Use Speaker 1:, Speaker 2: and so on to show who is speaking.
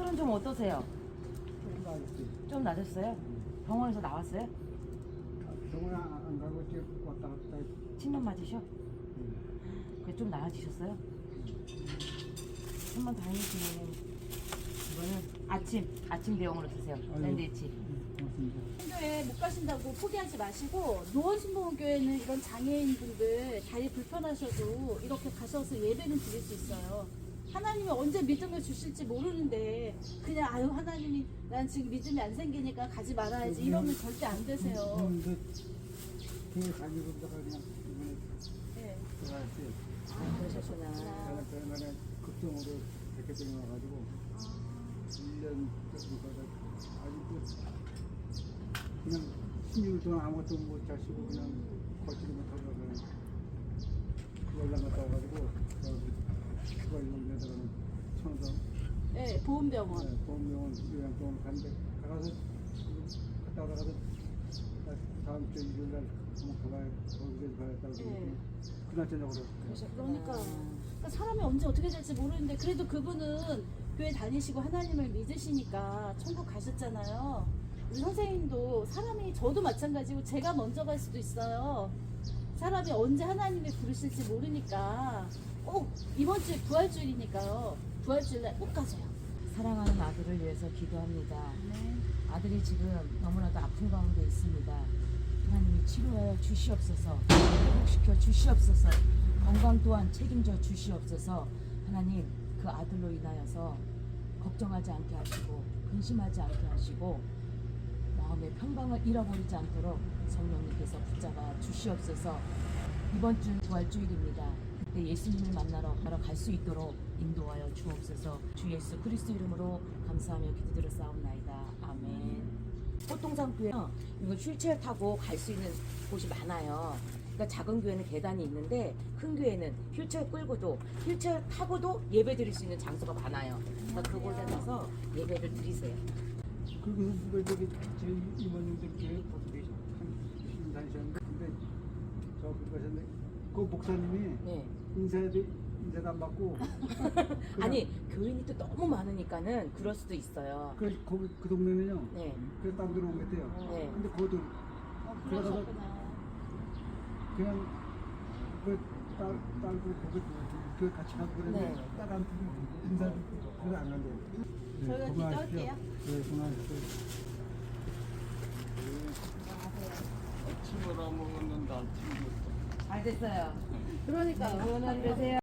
Speaker 1: 몸은 좀 어떠세요?
Speaker 2: 조금 나았지.
Speaker 1: 좀 나셨어요? 병원에서 나왔어요?
Speaker 2: 병원 안 가고 지금 왔다 갔다 했지.
Speaker 1: 침만 맞으셔? 그게 좀 나아지셨어요? 한번 다행이시면 이거는 아침 대용으로 드세요. 샌드위치.
Speaker 2: 고맙습니다.
Speaker 3: 교회 못 가신다고 포기하지 마시고 노원신봉교회는 이런 장애인분들 다리 불편하셔도 이렇게 가셔서 예배는 드릴 수 있어요. 하나님이 언제 믿음을 주실지 모르는데 그냥 아유 하나님이 난 지금 믿음이 안 생기니까 가지 말아야지 이러면 절대 안 되세요.
Speaker 2: 그걸 가지고 있다가 그냥 이번에
Speaker 3: 네.
Speaker 2: 들어갔지.
Speaker 1: 그러셨구나.
Speaker 2: 저는 그날에 급성으로 백혈병이 와가지고 1년 정도가 아직도 그냥 16일 동안 아무것도 못 자시고 그냥 걷지도 못하고 그냥 연락 갔다 와가지고 수가일동에다가는 청성
Speaker 3: 네, 보험병원.
Speaker 2: 보험병원 요양병원 갔는데 가서 갔다 오다가도 다음 주 일요일날 한번 가봐야 거기서 가야겠다고
Speaker 3: 네.
Speaker 2: 그날 저녁으로
Speaker 3: 그러니까 사람이 언제 어떻게 될지 모르는데 그래도 그분은 교회 다니시고 하나님을 믿으시니까 천국 가셨잖아요. 우리 선생님도 사람이 저도 마찬가지고 제가 먼저 갈 수도 있어요. 사람이 언제 하나님이 부르실지 모르니까 꼭 이번 주에 부활주일이니까요. 부활주일날 꼭 가세요.
Speaker 1: 사랑하는 아들을 위해서 기도합니다.
Speaker 3: 네.
Speaker 1: 아들이 지금 너무나도 아픈 가운데 있습니다. 하나님이 치료하여 주시옵소서, 회복시켜 주시옵소서, 건강 또한 책임져 주시옵소서. 하나님, 그 아들로 인하여서 걱정하지 않게 하시고 근심하지 않게 하시고 마음의 평강을 잃어버리지 않도록 성령님께서 붙잡아 주시옵소서. 이번 주 부활주일입니다. 그때 예수님을 만나러 갈 수 있도록 인도하여 주옵소서. 주 예수 그리스도 이름으로 감사하며 기도드렸사옵나이다. 아멘. 보통상 교회 이거 휠체어 타고 갈 수 있는 곳이 많아요. 그러니까 작은 교회는 계단이 있는데 큰 교회는 휠체어 끌고도 휠체어 타고도 예배 드릴 수 있는 장소가 많아요. 그러니까 그곳에 가서 예배를 드리세요.
Speaker 2: 그리고 누가 저기 제 이모님들 교회 거기 한 다니셨는데 근데 저기 가셨는데 그 목사님이
Speaker 1: 네.
Speaker 2: 인사도 안 받고
Speaker 1: 아니 교인이 또 너무 많으니까는 그럴 수도 있어요.
Speaker 2: 거기 그 동네는요.
Speaker 1: 네.
Speaker 2: 그래서 딴 데로 옮겼대요.
Speaker 1: 네.
Speaker 2: 근데 거기도
Speaker 3: 그러셨구나.
Speaker 2: 그냥 그 딸고 거기 그 같이 가고 그랬는데
Speaker 1: 네.
Speaker 2: 딸한테 인사도 그래서 안 간대요.
Speaker 3: 저희가 기도할게요.
Speaker 2: 네, 고마워하십시오.
Speaker 4: 아침을 안 먹었는데 아침부터
Speaker 1: 잘 됐어요.
Speaker 3: 그러니까요.
Speaker 1: 응원하세요.